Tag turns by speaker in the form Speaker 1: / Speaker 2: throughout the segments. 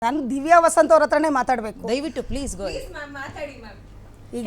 Speaker 1: ನಾನು ದಿವ್ಯಾ ವಸಂತ್ ಅವ್ರ ಹತ್ರನೇ ಮಾತಾಡಬೇಕು.
Speaker 2: ದಯವಿಟ್ಟು ಪ್ಲೀಸ್ ಗೋ.
Speaker 1: ಈಗ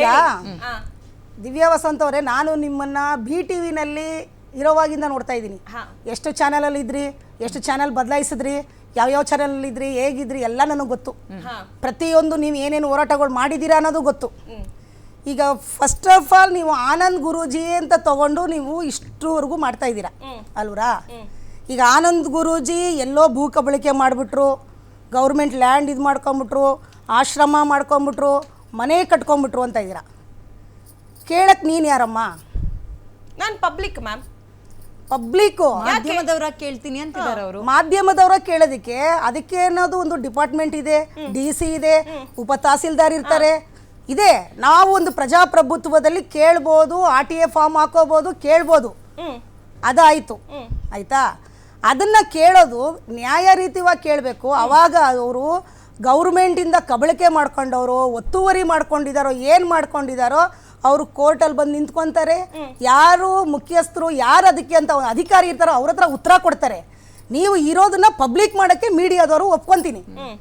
Speaker 1: ದಿವ್ಯಾ ವಸಂತ್ ಅವರೇ, ನಾನು ನಿಮ್ಮನ್ನ BTVನಲ್ಲಿ ಇರೋವಾಗಿಂದ ನೋಡ್ತಾ ಇದ್ದೀನಿ. ಎಷ್ಟು ಚಾನಲಲ್ಲಿ ಇದ್ರಿ, ಎಷ್ಟು ಚಾನಲ್ ಬದಲಾಯಿಸಿದ್ರಿ, ಯಾವ್ಯಾವ ಚಾನಲ್ ಇದ್ರಿ, ಹೇಗಿದ್ರಿ ಎಲ್ಲ ನನಗೆ ಗೊತ್ತು. ಪ್ರತಿಯೊಂದು ನೀವು ಏನೇನು ಹೋರಾಟಗಳು ಮಾಡಿದ್ದೀರಾ ಅನ್ನೋದು ಗೊತ್ತು. ಈಗ ಫಸ್ಟ್ ಆಫ್ ಆಲ್ ನೀವು ಆನಂದ್ ಗುರೂಜಿ ಅಂತ ತಗೊಂಡು ನೀವು ಇಷ್ಟುವರೆಗೂ ಮಾಡ್ತಾ ಇದ್ದೀರಾ ಅಲ್ವರಾ? ಈಗ ಆನಂದ್ ಗುರೂಜಿ ಎಲ್ಲೋ ಭೂ ಕಬಳಿಕೆ ಮಾಡಿಬಿಟ್ರು, ಗೌರ್ಮೆಂಟ್ ಲ್ಯಾಂಡ್ ಇದು ಮಾಡ್ಕೊಂಬಿಟ್ರು, ಆಶ್ರಮ ಮಾಡ್ಕೊಂಬಿಟ್ರು, ಮನೆ ಕಟ್ಕೊಂಬಿಟ್ರು ಅಂತ ಇದ್ದೀರಾ. ಕೇಳಕ್ಕೆ ನೀನು ಯಾರಮ್ಮ?
Speaker 3: ನಾನು ಪಬ್ಲಿಕ್ ಮ್ಯಾಮ್.
Speaker 1: ಪಬ್ಲಿಕ್ಕು
Speaker 2: ಮಾಧ್ಯಮದವರ ಕೇಳ್ತೀನಿ ಅಂತಿದ್ದಾರೆ ಅವರು.
Speaker 1: ಮಾಧ್ಯಮದವರ ಕೇಳೋದಕ್ಕೆ ಅದಕ್ಕೆ ಅನ್ನೋದು ಒಂದು ಡಿಪಾರ್ಟ್ಮೆಂಟ್ ಇದೆ, DC ಇದೆ, ಉಪ ತಹಸೀಲ್ದಾರ್ ಇರ್ತಾರೆ, ಇದೆ. ನಾವು ಒಂದು ಪ್ರಜಾಪ್ರಭುತ್ವದಲ್ಲಿ ಕೇಳ್ಬೋದು, RTA ಫಾರ್ಮ್ ಹಾಕೋಬೋದು, ಕೇಳ್ಬೋದು. ಅದಾಯಿತು ಆಯಿತಾ? ಅದನ್ನು ಕೇಳೋದು ನ್ಯಾಯ ರೀತಿಯಾಗಿ ಕೇಳಬೇಕು. ಆವಾಗ ಅವರು ಗೌರ್ಮೆಂಟಿಂದ ಕಬಳಿಕೆ ಮಾಡ್ಕೊಂಡವರು, ಒತ್ತುವರಿ ಮಾಡ್ಕೊಂಡಿದ್ದಾರೋ, ಏನು ಮಾಡ್ಕೊಂಡಿದ್ದಾರೋ ಅವರು ಕೋರ್ಟಲ್ಲಿ ಬಂದು ನಿಂತ್ಕೊತಾರೆ. ಯಾರು ಮುಖ್ಯಸ್ಥರು, ಯಾರು ಅದಕ್ಕೆ ಅಂತ ಅಧಿಕಾರಿ ಇರ್ತಾರೋ ಅವ್ರ ಹತ್ರ ಉತ್ತರ ಕೊಡ್ತಾರೆ. ನೀವು ಇರೋದನ್ನ ಪಬ್ಲಿಕ್ ಮಾಡೋಕ್ಕೆ ಮೀಡಿಯಾದವರು ಒಪ್ಕೊತೀನಿ.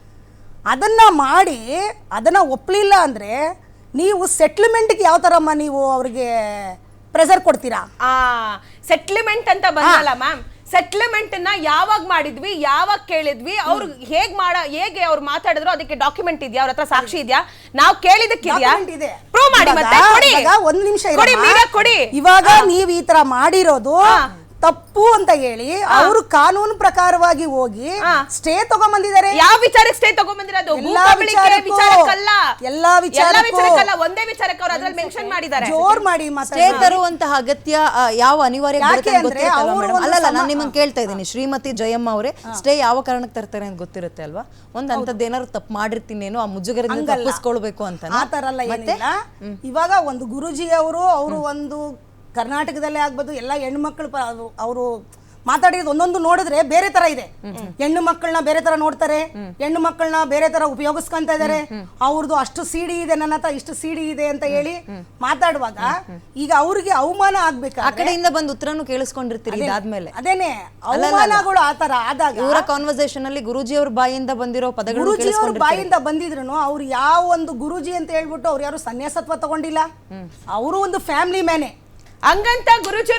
Speaker 1: ಅದನ್ನು ಮಾಡಿ ಅದನ್ನು ಒಪ್ಪಲಿಲ್ಲ ಅಂದರೆ ನೀವು ಸೆಟ್ಲ್ಮೆಂಟ್ಗೆ ಯಾವ ಥರಮ್ಮ ನೀವು ಅವ್ರಿಗೆ ಪ್ರೆಸರ್ ಕೊಡ್ತೀರಾ?
Speaker 3: ಸೆಟ್ಲ್ಮೆಂಟ್ ಅಂತ ಬಂದಲ್ಲ ಮ್ಯಾಮ್. ಸೆಟ್ಲ್ಮೆಂಟ್ ನ ಯಾವಾಗ ಮಾಡಿದ್ವಿ, ಯಾವಾಗ ಕೇಳಿದ್ವಿ, ಅವ್ರು ಹೇಗೆ ಅವ್ರು ಮಾತಾಡಿದ್ರು ಅದಕ್ಕೆ ಡಾಕ್ಯುಮೆಂಟ್ ಇದೆಯಾ? ಅವ್ರ ಹತ್ರ ಸಾಕ್ಷಿ ಇದೆಯಾ? ನಾವು ಕೇಳಿದಕ್ಕಿದೆಯಾ? ಪ್ರೂವ್ ಮಾಡಿ ಮತ್ತೆ ಕೊಡಿ.
Speaker 1: ಒಂದು ನಿಮಿಷ
Speaker 3: ಕೊಡಿ.
Speaker 1: ಇವಾಗ ನೀವು ಈ ತರ ಮಾಡಿರೋದು ತಪ್ಪು ಅಂತ ಹೇಳಿ ಅವರು ಕಾನೂನು ಪ್ರಕಾರವಾಗಿ ಹೋಗಿ ಸ್ಟೇ ತಗೊಂಡ್ಬಂದಿದ್ದಾರೆ.
Speaker 3: ಯಾವ ವಿಚಾರಕ್ಕೆ ಸ್ಟೇ ತಗೊಂಡ್ಬಂದಿರೋದು? ವಿಚಾರಕ್ಕಲ್ಲ,
Speaker 1: ಎಲ್ಲಾ ವಿಚಾರಕ್ಕಲ್ಲ,
Speaker 3: ಒಂದೇ ವಿಚಾರಕ್ಕೆ ಅವ್ರು ಅದ್ರಲ್ಲಿ ಮೆನ್ಷನ್ ಮಾಡಿದ್ದಾರೆ.
Speaker 1: ಜೋರ್ ಮಾಡಿ
Speaker 2: ಸ್ಟೇ ತರುವಂತಹ ಅಗತ್ಯ ಯಾವ ಅನಿವಾರ್ಯ ಅಲ್ಲಲ್ಲ. ನಾನು ನಿಮ್ಮನ್ನು ಕೇಳ್ತಾ ಇದ್ದೀನಿ, ಶ್ರೀಮತಿ ಜಯಮ್ಮ ಅವರೇ, ಸ್ಟೇ ಯಾವ ಕಾರಣಕ್ಕೆ ತರ್ತಾರೆ ಅಂತ ಗೊತ್ತಿರುತ್ತೆ ಅಲ್ವಾ? ಒಂದ್ ಅಂತದ್ದು ಏನಾದ್ರು ತಪ್ಪು ಮಾಡಿರ್ತೀನೇನೋ, ಆ ಮುಜುಗರದಿಂದ ತಪ್ಪಿಸ್ಕೊಳ್ಬೇಕು ಅಂತ.
Speaker 1: ಆ ತರ ಎಲ್ಲ ಏನಿಲ್ಲ. ಇವಾಗ ಒಂದು ಗುರುಜಿ ಅವರು ಒಂದು ಕರ್ನಾಟಕದಲ್ಲೇ ಆಗ್ಬೋದು, ಎಲ್ಲ ಹೆಣ್ಮಕ್ಳು ಅವರು ಮಾತಾಡಿರೋದು ಒಂದೊಂದು ನೋಡಿದ್ರೆ ಬೇರೆ ತರ ಇದೆ. ಹೆಣ್ಣು ಮಕ್ಕಳನ್ನ ಬೇರೆ ತರ ನೋಡ್ತಾರೆ, ಹೆಣ್ಣು ಮಕ್ಕಳನ್ನ ಬೇರೆ ತರ ಉಪಯೋಗಿಸ್ಕೊಂತ ಇದಾರೆ. ಅವ್ರದ್ದು ಅಷ್ಟು CD ಇದೆ, ನನ್ನ ಹತ್ರ ಇಷ್ಟು CD ಇದೆ ಅಂತ ಹೇಳಿ ಮಾತಾಡುವಾಗ ಈಗ ಅವ್ರಿಗೆ ಅವಮಾನ ಆಗ್ಬೇಕು.
Speaker 2: ಆ ಕಡೆಯಿಂದ ಬಂದು ಉತ್ತರನು ಕೇಳಿಸ್ಕೊಂಡಿರ್ತೀರಿ ಇದಾದ್ಮೇಲೆ.
Speaker 1: ಅದೇನೆ ಅವಮಾನಗಳು ಆ ತರ ಆದಾಗ
Speaker 2: ಇವರ ಕಾನ್ವರ್ಸೇಷನ್ ಅಲ್ಲಿ ಗುರೂಜಿ ಅವ್ರ ಬಾಯಿಂದ ಬಂದಿರೋ ಪದಗಳು,
Speaker 1: ಗುರೂಜಿ ಅವ್ರ ಬಾಯಿಂದ ಬಂದಿದ್ರು ಅವ್ರು ಯಾವ ಒಂದು ಗುರೂಜಿ ಅಂತ ಹೇಳ್ಬಿಟ್ಟು ಅವ್ರು ಯಾರು ಸನ್ಯಾಸತ್ವ ತಗೊಂಡಿಲ್ಲ. ಅವರು ಒಂದು ಫ್ಯಾಮಿಲಿ ಮ್ಯಾನೆ.
Speaker 3: ಹಂಗಂತ ಗುರುಜಿ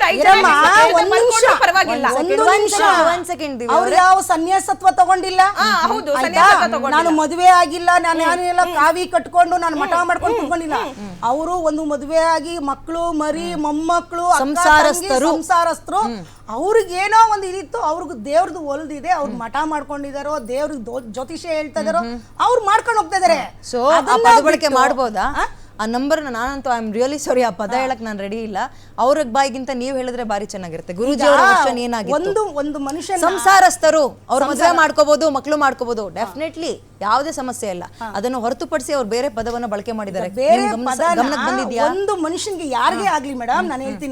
Speaker 1: ಅವ್ರು ಯಾವ ಸನ್ಯಾಸತ್ವ ತಗೊಂಡಿಲ್ಲ. ನಾನು ಮದುವೆ ಆಗಿಲ್ಲ, ನಾನು ಯಾನೆಲ್ಲ ಕಾವಿ ಕಟ್ಕೊಂಡು ನಾನು ಮಠ ಮಾಡ್ಕೊಂಡು ಕುತ್ಕೊಂಡಿಲ್ಲ. ಅವರು ಒಂದು ಮದುವೆ ಆಗಿ ಮಕ್ಕಳು ಮರಿ ಮೊಮ್ಮಕ್ಕಳು ಸಂಸಾರಸ್ಥರು. ಅವ್ರಿಗೇನೋ ಒಂದು ಇದಿತ್ತು, ಅವ್ರಿಗೆ ದೇವ್ರದ್ದು ಒಲ್ದಿದೆ, ಅವ್ರು ಮಠ ಮಾಡ್ಕೊಂಡಿದಾರೋ, ದೇವ್ರಿಗೆ ಜ್ಯೋತಿಷ್ಯ ಹೇಳ್ತಾ ಇದಾರೋ, ಅವ್ರು ಮಾಡ್ಕೊಂಡು ಹೋಗ್ತಾ ಇದಾರೆ.
Speaker 2: ಸೊ ಪದ ಬಳಕೆ ಮಾಡ್ಬೋದಾ? ಆ ನಂಬರ್ ನಾನಂತೂ ಐ ಆಮ್ ರಿಯಲಿ ಸಾರಿ, ಆ ಪದ ಹೇಳಕ್ ನಾನು ರೆಡಿ ಇಲ್ಲ. ಅವ್ರ ಬಾಯಿಗಿಂತ ನೀವು ಹೇಳಿದ್ರೆ ಬಾರಿ ಚೆನ್ನಾಗಿರುತ್ತೆ. ಗುರೂಜಿ ಅವರ ವರ್ಷನ್ ಏನಾಗಿತ್ತು?
Speaker 1: ಒಂದು ಮನುಷ್ಯ
Speaker 2: ಸಂಸಾರಸ್ಥರು ಅವ್ರ ಮದುವೆ ಮಾಡ್ಕೋಬಹುದು, ಮಕ್ಕಳು ಮಾಡ್ಕೋಬಹುದು, ಡೆಫಿನೆಟ್ಲಿ ಯಾವುದೇ ಸಮಸ್ಯೆ ಇಲ್ಲ. ಅದನ್ನು ಹೊರತುಪಡಿಸಿ ಅವ್ರು ಬೇರೆ ಪದವನ್ನ ಬಳಕೆ ಮಾಡಿದ್ದಾರೆ.
Speaker 1: ಗಮನಕ್ಕೆ ಬಂದಿದ್ಯಾ? ಒಂದು ಮನುಷ್ಯನ್ಗೆ ಯಾರಿಗೇ ಆಗ್ಲಿ ಮೇಡಮ್, ನಾನು ಹೇಳ್ತೀನಿ